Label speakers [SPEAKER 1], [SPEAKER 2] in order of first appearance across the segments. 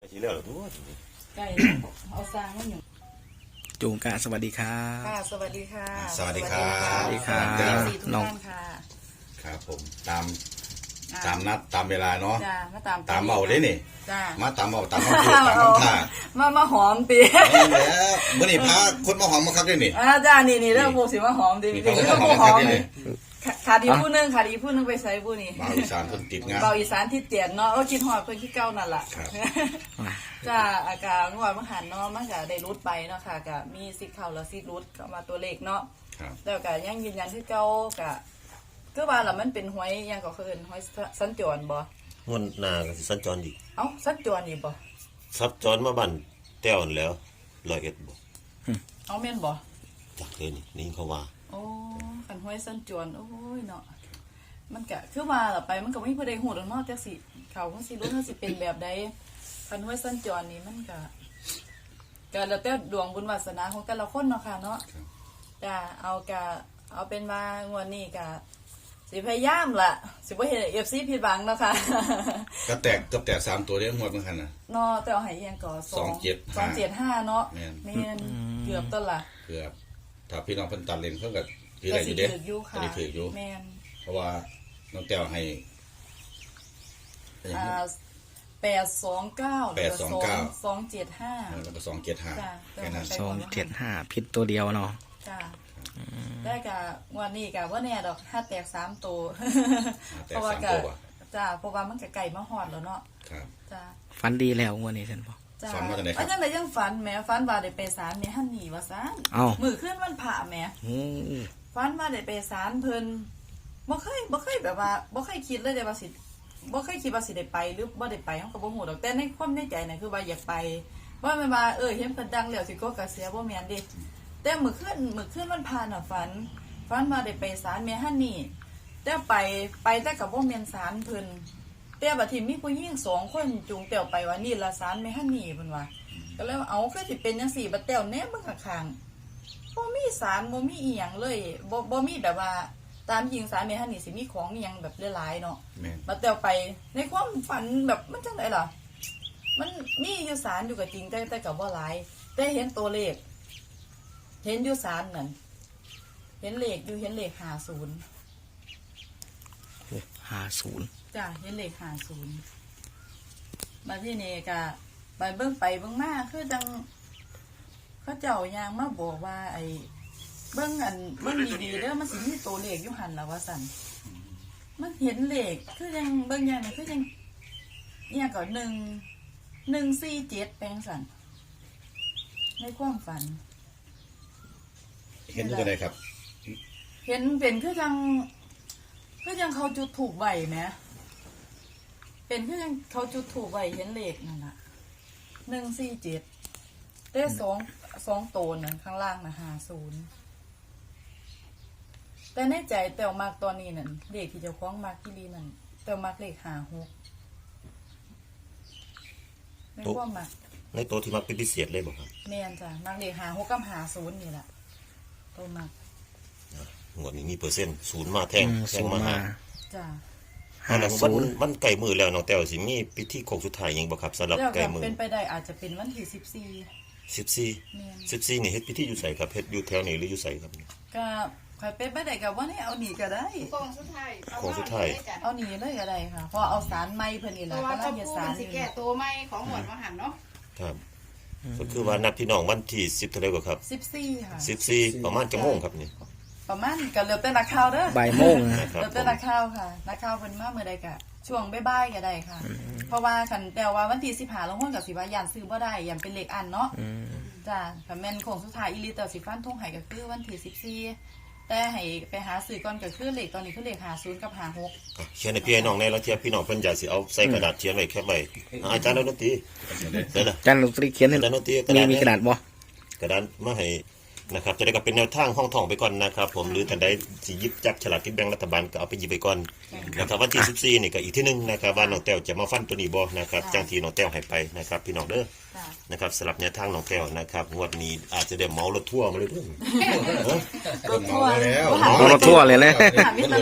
[SPEAKER 1] ทีแล้วตัว
[SPEAKER 2] ไก่เอาซางมาหนึ่ง
[SPEAKER 3] จูงกะสวัสดีครับ
[SPEAKER 2] ค่ะสวัสดีค่ะ
[SPEAKER 1] สวัสดีครับ
[SPEAKER 3] สวัสดีครับ
[SPEAKER 2] น้องค่ะ
[SPEAKER 1] ครับผมตามนัดตามเวลาเนาะ
[SPEAKER 2] จ้ามาต
[SPEAKER 1] ามเบาได้นี่
[SPEAKER 2] จ้า
[SPEAKER 1] มาตามเบาตามคำพูดตามคำท่า
[SPEAKER 2] มาหอมตี
[SPEAKER 1] นี่แล้วเมื่อนี่พาคนมาหอมมาครับได้นี่
[SPEAKER 2] จ้านี่เรื่องพวกสิมาหอมตีเรื่องพวกหอมขาดีผู้นึงไปใส่ผู้นี้
[SPEAKER 1] เบาอีสานคนติดงาน
[SPEAKER 2] เบาอีสานที่เตียนเนาะก็คิดหอดเพิ่นที่เก้านั่นแหละจ้าอากาศงวดมหันเนาะมันก็ได้รุดไปเนาะค่ะก็มีซิกเข่าแล้วซิกรุดเข้ามาตัวเลขเนาะแล้วก็ยังยืนยันที่เก้าก็ว่าล่ะมันเป็นหวยยังก็คือหวยสัญจรบ่
[SPEAKER 4] งวนนาก็สิสัญจรอีก
[SPEAKER 2] สัญจรอีกบ่
[SPEAKER 4] สัญจรมาบ้านแต้วนั่นแล้ว101บ่
[SPEAKER 2] แม่นบ่
[SPEAKER 4] จักเลยนี่เขาว่า
[SPEAKER 2] โอ้คันหวยสัญจรโอ้ยเนาะมันก็คือว่าล่ะไปมันก็มีผู้ใดฮู้ดอกเนาะจักสิเขาคงสิรู้ว่าสิเป็นแบบใดคันหวยสัญจรนี่มันก็แล้วแต่ดวงบุญวาสนาของแต่ละคนเนาะค่ะเนาะจ้าเอาเป็นว่างวดนี้ก็สิพยายามล่ะสิบ่เฮ็ด FC ผิดหวังเนาะค่ะ
[SPEAKER 1] ก็แตก3ตัวเด้งวดเหมือนกันน่ะ
[SPEAKER 2] เนาะแต่เอาให้อีหยังก็275เนาะแม่นเกือบต้นล่ะ
[SPEAKER 1] เกือบถ้าพี่น้องเพิ่นตัดเลนเพิ่นก็ถือได้อยู่เด้
[SPEAKER 2] ถืออยู่แม่น
[SPEAKER 1] เพราะว่าน้องแต้วให้
[SPEAKER 2] 829แล้วก็275
[SPEAKER 1] แล้วก็275แค่นั้น
[SPEAKER 3] 275ผิดตัวเดียวเนาะ
[SPEAKER 2] จ้าได้กะวันนี้กะว่าแน่ดอกถ้าแตก3ตัวเพราะว่าจ้าเพราะว่ามันก็ไก่มาฮอดแล้วเนาะ
[SPEAKER 1] ครับ
[SPEAKER 2] จ้า
[SPEAKER 3] ฝันดีแล้วงวดนี้ท่านพ่อ
[SPEAKER 1] ฝันว่าจังได๋ครับ
[SPEAKER 2] จังได๋ยังฝันแหมฝันว่าได้ไปศาลแม่ฮั่นนี่ว่าซั่นมื้อคืนวันพระแหมฝันว่าได้ไปศาลเพิ่นบ่เคยแบบว่าบ่เคยคิดเลยว่าสิบ่เคยคิดว่าสิได้ไปหรือบ่ได้ไปเฮาก็บ่ฮู้ดอกแต่ในความในใจน่ะคือว่าอยากไปว่าแม่นว่าเห็นเพิ่นดังแล้วสิก็กระเสียบ่แม่นเด้แต่มื้อคืนวันพระน่ะฝันว่าได้ไปศาลแม่ฮั่นนี่แต่ไปแต่ก็บ่แม่นศาลเพิ่นแต่บัดทีมีผู้หญิง2คนจูงแต้วไปว่านี่ละศาลแม่ฮั่นนี่เพิ่นว่าก็เลยเอาคือสิเป็นจังซี่บัดแต้วแนมเบิ่งข้างๆบ่มีศาลบ่มีอีหยังเลยบ่มีแบบว่าตามจริงศาลแม่ฮั่นนี่สิมีของอีหยังแบบหลายๆเนาะบัดแต้วไปในความฝันแบบมันจังได๋ล่ะมันมีอยู่ศาลอยู่ก็จริงแต่ก็บ่หลายแต่เห็นตัวเลขเห็นอยู่ศาลนั่นเห็นเลข50 จ้าเห็นเลข50มาที่นี่ก็ไปเบิ่งมาคือจังเขาเจ้ายางมาบอกว่าไอ้เบิ่งดีๆเด้อมันสิมีตัวเลขอยู่หั่นล่ะว่าซั่นมันเห็นเลขคือจังเบิ่งอย่างนี้คือจังเนี่ยก็147แปลงซั่นในความฝัน
[SPEAKER 1] เห็นจังได๋ครับ
[SPEAKER 2] เห็นเป็นคือจังเขาจุดถูกใบไหมเป็นคือจังเขาจุดถูกใบเห็นเลขนั่นน่ะ147ได้2ตัวนั่นข้างล่างน่ะ50แต่ในใจแต่วมากตอนนี้นั่นเลขที่เจ้าของมากที่ลีนั่นแต่วมากเลข56ในความมัก
[SPEAKER 4] ในตัวที่มักเป็นพิเศษเลยบ่ครับ
[SPEAKER 2] แม่นจ้ะมักเลข56กับ50นี่แหละตัวมัก
[SPEAKER 4] งวดนี้มีเปอร์เซ็นต์0มาแท่งมาหา
[SPEAKER 2] จ้ะ
[SPEAKER 4] มันใกล้มือแล้วน้องแต้วสิมีพิธีโค้งสุดท้ายหยังบ่ครับสำหรับใกล้มือ
[SPEAKER 2] เป็นไปได้อาจจะเป็นวันที่
[SPEAKER 4] 14นี่เฮ็ดพิธีอยู่ไสครับเฮ็ดอยู่แถวนี้หรืออยู่ไสครับ
[SPEAKER 2] ก็ใครเป็นไปได้ก็ว่านี่เอาหนีก็ได้
[SPEAKER 4] โค้งสุดท้าย
[SPEAKER 2] เอาหนีเลยก็ได้ค่ะเพราะเอาสารไม้เพิ่นนี่ล่ะก็เฮ็ดสาร
[SPEAKER 5] สิแก้ตัวไม้ของหมวดมหันเนาะ
[SPEAKER 4] ครับก็คือว่านัดพี่น้องวันที่10เท่าใดบ่ครับ
[SPEAKER 2] 14ค่ะ
[SPEAKER 4] 14ประมาณจังโมงครับนี่
[SPEAKER 2] ประมาณก็แล้วแต่นักข่าวเด้อ
[SPEAKER 3] บ่ายโมง
[SPEAKER 2] แล้วแต่นักข่าวค่ะนักข่าวเพิ่นมาเมื่อใดก็ช่วงบ่ายๆก็ได้ค่ะเพราะว่าคันแต่ว่าวันที่15ลงหุ้นก็สิว่าย่านซื้อบ่ได้ย่านเป็นเลขอันเนาะจ้ะถ้าแม่นโค้งสุดท้ายอีหลีแต่สิฟันธงให้ก็คือวันที่14แต่ให้ไปหาซื้อก่อนก็คือเลขตอนนี้คือเลข50กับ56
[SPEAKER 4] เขียนให้พี่น้องในแล้วเทียบพี่น้องเพิ่นอยากสิเอาใส่กระดาษเขียนไว้แคปไว้อาจารย์ดนตรี
[SPEAKER 3] อาจารย์ดนตรีเขียนให้มีกระดาษบ่
[SPEAKER 4] กระดาษมาให้นะครับจะได้ก็เป็นแนวทางห้องท่องไปก่อนนะครับผมหรือท่านใดสิหยิบจับฉลากกินแบ่งรัฐบาลก็เอาไปหยิบไปก่อนนะครับวันที่14นี่ก็อีกที่นึงนะครับว่าน้องแต้วจะมาฟันตัวนี้บ่นะครับจังที่น้องแต้วให้ไปนะครับพี่น้องเด้อนะครับสำหรับแนวทางน้องแต้วนะครับงวดนี้อาจจะได้เหมารถทัวร์มาเลยเด้อ
[SPEAKER 1] รถทัวร์แล้ว
[SPEAKER 3] รถทัวร์เลยนะ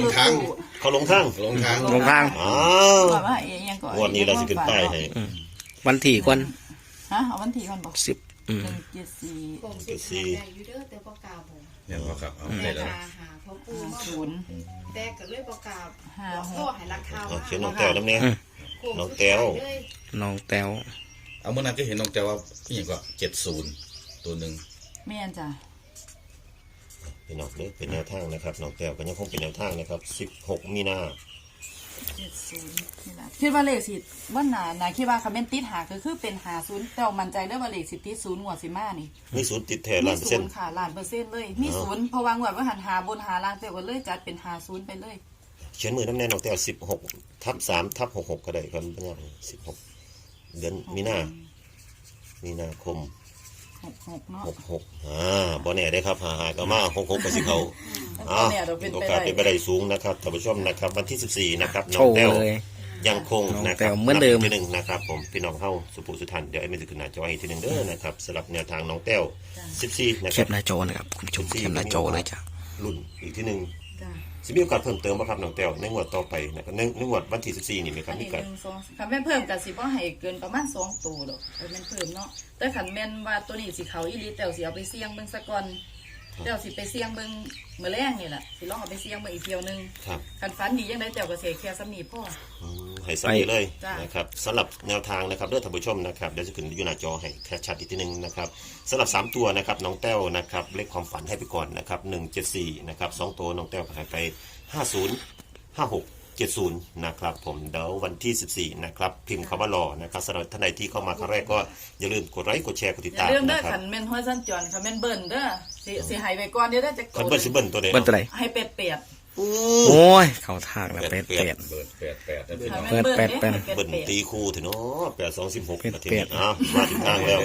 [SPEAKER 4] เขาลงทาง
[SPEAKER 3] อ้าว
[SPEAKER 4] งวดนี้เราสิขึ้นป้ายให้
[SPEAKER 3] วันที่ก่อน
[SPEAKER 2] ฮะเอาวันที่ก่อนบอก
[SPEAKER 3] 10
[SPEAKER 2] 174
[SPEAKER 5] โป่งสิบหาได้อยู่เด้อแต่บ่กล้าบอก
[SPEAKER 1] เนี่ยพอครับเอา
[SPEAKER 5] แต่
[SPEAKER 1] ได้แล้ว
[SPEAKER 5] หาพ่อปู่มาบอก
[SPEAKER 2] 0
[SPEAKER 5] แต่ก็เลยบ่กล้า
[SPEAKER 2] ห้า
[SPEAKER 5] บอก
[SPEAKER 2] หก
[SPEAKER 5] โทษให้รักข่าว
[SPEAKER 4] เอาเขียนน้องแต้วน้ำเนี่ย
[SPEAKER 5] โป่ง
[SPEAKER 4] น้อง
[SPEAKER 5] สุด
[SPEAKER 4] แต้ว
[SPEAKER 5] ท้ายเลย
[SPEAKER 3] น้องแต้ว
[SPEAKER 1] เอาเมื่อนั้นก็เห็นน้องแต่ว่าพี่อย่างก็70ตัวหนึ่ง
[SPEAKER 2] แม่นจ้ะ
[SPEAKER 4] พี่น้องเด้อเป็นแนวทางนะครับน้องแต้วก็ยังคงเป็นแนวทางนะครับ16มีนา
[SPEAKER 2] 70นี่ล่ะคิดว่าเลขสิบ่น่าคิดว่าคันแม่นติดหาก็คือเป็น50แต่ว่ามั่นใจเด้อว่าเลขสิติด0งวดสิมานี่
[SPEAKER 4] มีศูนย์ติดแท้
[SPEAKER 2] มี
[SPEAKER 4] 100%
[SPEAKER 2] 0ค่ะ100%เลยมี0เพราะว่างวดว่าหันหาบนหาล่างแต่ว่าเลยจัดเป็น50ไปเลย
[SPEAKER 4] เขียนมือน้ำแน่น้องแต้ว16/3/66ก็ได้ครับปัญญา16เดือนมีนาคม
[SPEAKER 2] 66เนาะ
[SPEAKER 4] 66บ่แน่ได้ครับหาก็มา66ก็สิเขา
[SPEAKER 2] บ่แน่ดอกเป็น
[SPEAKER 4] โอ
[SPEAKER 2] ไป
[SPEAKER 4] กาส
[SPEAKER 2] ได้
[SPEAKER 4] เป็นไปได้สูงนะครับท่านผู้ชมนะครับวันที่14นะครับน้
[SPEAKER 3] โช
[SPEAKER 4] อง
[SPEAKER 3] ว์
[SPEAKER 4] แต้ว
[SPEAKER 3] เลย
[SPEAKER 4] ยังคง
[SPEAKER 3] น้อง
[SPEAKER 4] นะค
[SPEAKER 3] แต้
[SPEAKER 4] รับ
[SPEAKER 3] วเหมือนเดิม
[SPEAKER 4] นับที่หนึ่งนะครับผมพี่น้องเข้าสุภูสุทันเดี๋ยวไอ้ไม่ถึงหน้าจอให้ทีหนึ่งเด้อนะครับสำหรับแนวทางน้องแต้ว14นะ
[SPEAKER 3] แค
[SPEAKER 4] ครับ
[SPEAKER 3] ปหน้าจอนะครับคุณผู้ชมแคปหน้าจอเลยจ้ะ
[SPEAKER 4] รุ่นอีกที่หนึ่ง
[SPEAKER 2] จ้ะ
[SPEAKER 4] สิมีโอกาสเพิ่มเติมบ่ครับน้องแต้วในงวดต่อไปนะครับในงวดวันที่14นี่มีค
[SPEAKER 2] อั
[SPEAKER 4] รับ
[SPEAKER 2] น
[SPEAKER 4] มี
[SPEAKER 2] นี้
[SPEAKER 4] การ
[SPEAKER 2] 1 2คันแม่นเพิ่มก็สิบ่ให้เกินประมาณ2ตัวดอกแม่นเพิ่มเนาะแต่คันแม่นว่าตัวนี้สิเข้าอีหลีแต่วสิเอาไปเสี่ยงเบิ่งซะก่อนแต่วสิไปเสี่ยงเบิ่งมื้อแรงนี่ล่ะสิลองเอาไปเสี่ยงเบิ่งอีกเที่ยวนึง
[SPEAKER 4] ครับ
[SPEAKER 2] คันฝันดีจังได๋แต่วก็สิแค่สำนีพอ
[SPEAKER 4] ให้สักนิดเลย
[SPEAKER 2] จ้ะ
[SPEAKER 4] นะครับสำหรับแนวทางนะครับเด้อท่านผู้ชมนะครับเดี๋ยวจะขึ้นอยู่หน้าจอให้แค่ชัดอีกทีหนึงนะครับสำหรับ3ตัวนะครับน้องแต้วนะครับเลขความฝันให้ไปก่อนนะครับ174นะครับ2ตัวน้องแต้วก็ให้ไป50 56 70นะครับผมเดี๋ยววันที่14นะครับพิมพ์คำว่ารอนะครับสำหรับท่านใดที่เข้ามาครั้งแรกก็อย่าลืมกดไลค์กดแชร์กดติด
[SPEAKER 2] อย่า
[SPEAKER 4] ตาม
[SPEAKER 2] ลืมเด้อ
[SPEAKER 4] นะครับ
[SPEAKER 2] คันแม่นห้อยสั้นจวนคันแม่นเบิ่นเด้อสิให้ไว้ก่อนเดี๋ยวได้จะ
[SPEAKER 4] คันเบิ้ลซิเบิ้ลตัวเดียว
[SPEAKER 3] เบิ้ลตัวไหน
[SPEAKER 2] ให้เป็ด
[SPEAKER 3] โอ้ย เข้าทางแล้วเป็ด
[SPEAKER 1] เบิร์ด88นะพี่น้อง
[SPEAKER 2] ให้แม่นเบิ่น
[SPEAKER 3] เป็ด
[SPEAKER 2] ให้
[SPEAKER 4] เบิ้ล
[SPEAKER 2] เป็ด
[SPEAKER 4] ตีคู่ถึงเนาะ82 16นาที
[SPEAKER 3] เป็
[SPEAKER 4] นี้
[SPEAKER 3] ด
[SPEAKER 4] มาถึงทางแล้ว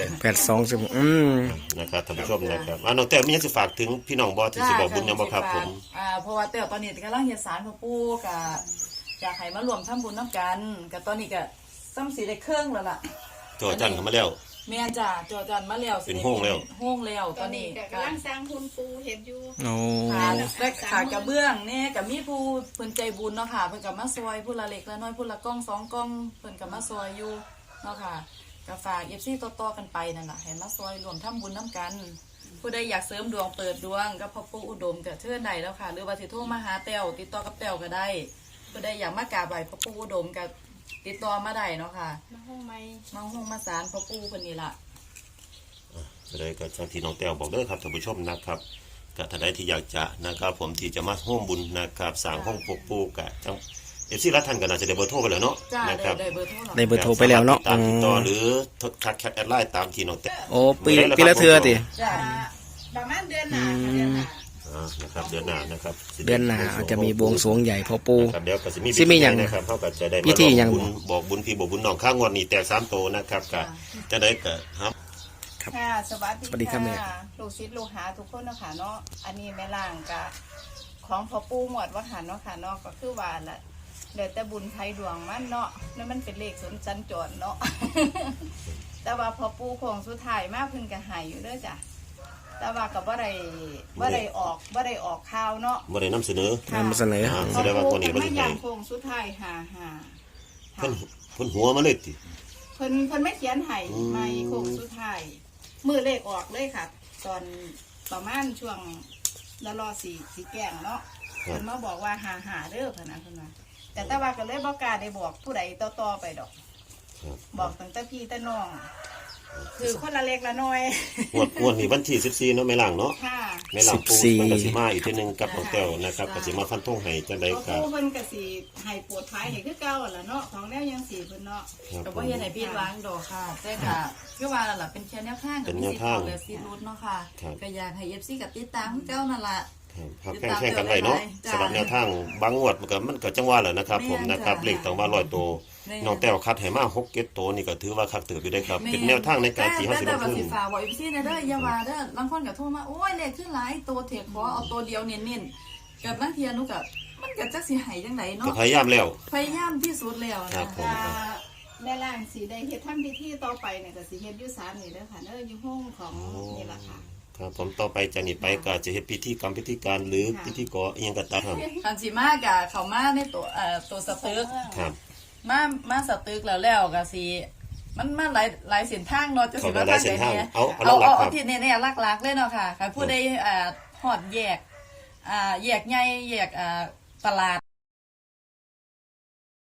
[SPEAKER 3] 82
[SPEAKER 4] นะครับท่านผู้ชมนะครับน้องแต้วมีหยังสิฝากถึงพี่น้องบ่ที่สิบอกบุญยังบ่ครับผม
[SPEAKER 2] เพราะว่าแต่ตอนนี้กำลังเฮ็ดสารพ่อปู่ก็อยากให้มารวมทำบุญนํกันก็ตอนนี้ก็ซ้ำสิได้เครื่องแล้วล่ะ
[SPEAKER 4] จอจันเข้ามาแล้ว
[SPEAKER 2] แม่นจ้ะจอจันมาแล้วสิ
[SPEAKER 4] เป็นโฮ่งแล้ว
[SPEAKER 2] โฮ่งแล้ว
[SPEAKER 5] ต
[SPEAKER 2] ต
[SPEAKER 5] อ
[SPEAKER 2] อน น
[SPEAKER 5] นี้
[SPEAKER 2] นี้
[SPEAKER 5] ก็
[SPEAKER 2] ก็
[SPEAKER 5] กำลังสร้างคุณปูเห็นอยู่
[SPEAKER 3] โอ้
[SPEAKER 2] ขากระเบื้องเนี่ยก็มีผู้เพิ่นใจบุญเนาะค่ะเพิ่นก็มาซอยผู้ละเล็กละน้อยผู้ละกล้อง2กล้องเพิ่นก็มาซอยอยู่เนาะค่ะก็ฝาก FC ต่อๆกันไปนั่นล่ะให้มาซอยรวมทำบุญนํกัน ผู้ใดอยากเสริมดวงเปิดดวงกับพ่อปู่อุดมก็เชิญได้แล้วค่ะ หรือว่าสิโทรมาหาแต้วติดต่อกับแต้วก็ได้ผู้ใดอยากมากราบไหว้พ่อปู่อุดมก็ติดต่อมาได้เนาะค่ะ
[SPEAKER 5] มาห้องไม้
[SPEAKER 2] มาห้องมาศาลพ่อปู่เพิ่นนี่ล่ะ
[SPEAKER 4] ก็เลยก็ที่น้องแต้วบอกเด้อครับท่านผู้ชมนะครับก็ท่านใดที่อยากจะนะครับผมที่จะมาร่วมบุญนะครับสร้างห้องปกปูกะจังรัฐท่านก็น่าจะได้เบอร์โทรไปแล้วเนาะ
[SPEAKER 2] จ้า
[SPEAKER 4] นะครับ
[SPEAKER 2] ได้เบอร์โทรหรอ
[SPEAKER 3] ได้เบอร์โทรไปแล้วเนาะ
[SPEAKER 4] ตามติดต่อหรือทักแคปแอดไลน์ตามที่น้องแต้ว
[SPEAKER 3] โอ้ปีละเทื่อติ
[SPEAKER 2] จ้า
[SPEAKER 5] ประมาณเดือนหน้าค่ะเดือนหน้า
[SPEAKER 4] นะครับเดือนหน้านะครับ
[SPEAKER 3] เดือนหน้าอาจจะมีบวงสรวงใหญ่พ่อปู
[SPEAKER 4] ครับเดี๋ยวก็สิมี
[SPEAKER 3] สิมีหยัง
[SPEAKER 4] นะครับเขาก็จะได้
[SPEAKER 3] พิธีหยัง
[SPEAKER 4] บุญบอกบุญพี่บอกบุญน้องข้างวันนี้แต่3โตนะครับก็จะได้ก็ครับ
[SPEAKER 5] ค่ะสวัสดี
[SPEAKER 3] สวัสดีครับแม่
[SPEAKER 5] ลูกศิษย์ลูกหาทุกคนเนาะค่ะเนาะอันนี้แม่ล่างกะของพ่อปู่หมวดว่าหันเนาะค่ะเนาะก็คือว่าละเดี๋ยวแต่บุญไทยดวงมันเนาะแล้วมันเป็นเลขสนจันจรเนาะ แต่ว่าพ่อปู่ของสุดท้ายมาเพิ่นก็ใหายอยู่เด้อจ้ะแต่ว่าก็บ่ได้ออกข่าวเนาะ
[SPEAKER 4] บ่ได้นำเสนอ
[SPEAKER 3] นำเสนอ
[SPEAKER 4] แสดงว่าคนนี้บ่
[SPEAKER 5] ไม่
[SPEAKER 4] ได้
[SPEAKER 5] ยั
[SPEAKER 4] ให้
[SPEAKER 5] งคงสุดท้ายหา
[SPEAKER 4] เพิ่นหัวมาเลยติ
[SPEAKER 5] เพิ่นไม่เขียนให้ไม่คงสุดท้ายมือเลขออกเลยค่ะ ตอนประมาณช่วงละรอสีแกงเนาะเพิ่นมาบอกว่าหาเด้อพะนะเพิ่นว่าแต่ว่าก็เลยบ่กล้าได้บอกผู้ใดต่อไปดอก บอกตั้งแต่พี่แต่น้อง คือคนละเล็กละน้อย
[SPEAKER 4] งวดนี้วันที่14เนาะแม่ล่างเนาะ
[SPEAKER 5] ค่ะ
[SPEAKER 4] แม่ล่างปู
[SPEAKER 3] 14
[SPEAKER 4] เพิ่นก็สิมาอีกทีหนึงกับน้องแต้วนะครับก็สิมาฟันธงให้จังได๋
[SPEAKER 5] ตัว
[SPEAKER 4] ก็
[SPEAKER 5] ผู้เพิ่นก็สิให้ปวดท้ายให้คือเก่าล่ะเนาะของแนวยังสิเพิ่นเนาะ
[SPEAKER 2] ก็บ่เฮ็ดให้ผิดหวังดอกค่ะแต่ก็คือว่านั่นล่ะเป็นแค่แนวทางกับมีสิทธิ์เอาและสิทธิ์รุดเนาะค่ะก็อยากให้ FC กับติดตามคือเก่านั่นล่ะ
[SPEAKER 4] ครับแข่งกันไว้เนาะ
[SPEAKER 2] จ้ะ
[SPEAKER 4] สำหรับแนวทางบางงวดมันก็จังว่าแหละนะครับผมนะครับเลขต้องว่า100ตัวน้องแต้วคัดให้มา6 7ตัวนี่ก็ถือว่าคักเติบอยู่ได้ครับเป็นแนวทางในการที่เฮาสิลงทุน
[SPEAKER 2] แต่ฝากไว้พี่เด้ออย่าว่าเด้อบางคนก็โทรมาโอ้ยเลขขึ้นหลายตัวเถอะขอเอาตัวเดียวเน้นๆกับบางเทียหนูก็มันก็จักสิให้จังได
[SPEAKER 4] ก็
[SPEAKER 2] เนาะ
[SPEAKER 4] พยายามแล้ว
[SPEAKER 2] พยายามที่สุดแล้ว
[SPEAKER 4] ครั
[SPEAKER 2] นะ
[SPEAKER 4] บผม
[SPEAKER 5] แม่ล่างสีได้เฮ็ดทำพิธีต่อไปเนี่ยก็สิเฮ็ดอยู่ศาลนี่เด้อค่ะเด้ออยู่ห้องของนี่ล่ะค่ะ
[SPEAKER 4] ครับผมต่อไปจากนี้ไปก็จะเฮ็ดพิธีกรรมพิธีการหรือพิธีกรอีหยังก็ตาม
[SPEAKER 2] คันสิมากะเขามาในตัวตัวสตึก
[SPEAKER 4] ครับ
[SPEAKER 2] มาสตึกแล้วก็สิมันมาหลายเส้นทางเนาะจะสิว่า
[SPEAKER 4] หลายเส้นทาง
[SPEAKER 2] เนี่ย
[SPEAKER 4] เอา
[SPEAKER 2] เอาที่แน่ๆหลักๆเลยเนาะค่ะใครผู้ใดฮอดแยกแยกใหญ่แยกตลาด